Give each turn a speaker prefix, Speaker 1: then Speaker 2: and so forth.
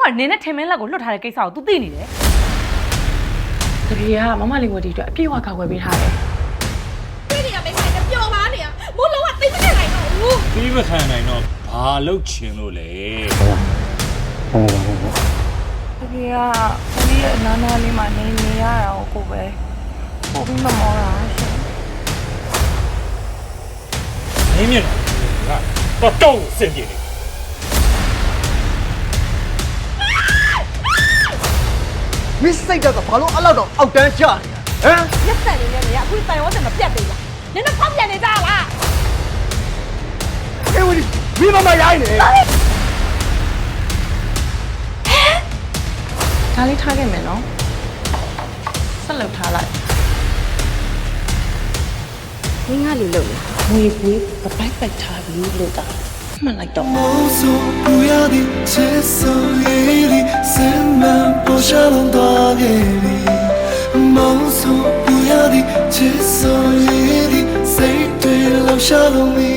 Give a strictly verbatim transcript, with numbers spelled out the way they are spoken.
Speaker 1: ကနင်းနဲ့ထင်မင်းလက်ကိုလွတ်ထားတဲ့ကိစ္စကို तू သိနေတယ်တကယ်ကမမလေးဝတီအတွက်အပြည့်အဝကောက်ွယ်ပေးထားတယ်
Speaker 2: တွေ့နေရမိမနဲ့ပျော်ပါနေရမိုးလုံးဝသိမနေနိုင်တော့ဘူး
Speaker 3: ပြီးမခံနိုင်တော့ဘာလုပ်ချင်လို့လဲ
Speaker 1: တကယ်ကကိုကြီးရဲ့အနားနားလေးမှာနေနေရတာကိုပဲပို့ပြီးမမောတာရှင်
Speaker 3: မင်းမြင်တော့တော့စင်ပြေနေ
Speaker 4: မစ်စိတ်တော့ဘာလို့အဲ့လောက်တော့အောက်တန်းကျနေတာဟမ်
Speaker 2: လက်ဆက်နေနေရအခုတိုင်ဝတ်တယ်မပြတ်သေးလားနင်တို့ဖောက်ပြန်နေကြလား
Speaker 4: အေးဝီမိမမရိုင်းနေ
Speaker 1: ဒါလေးထားခဲ့မယ်နော်ဆက်လုပ်ထားလိုက်
Speaker 2: မင်းကလေလို့လေ
Speaker 1: ငွေပွေးပပိုက်ပိုက်ထားပြီးလို့တာမှန်လိုက်တော့
Speaker 5: 梦诉不要的接受一粒深满不下龙多给你梦诉不要的接受一粒谁对留下了你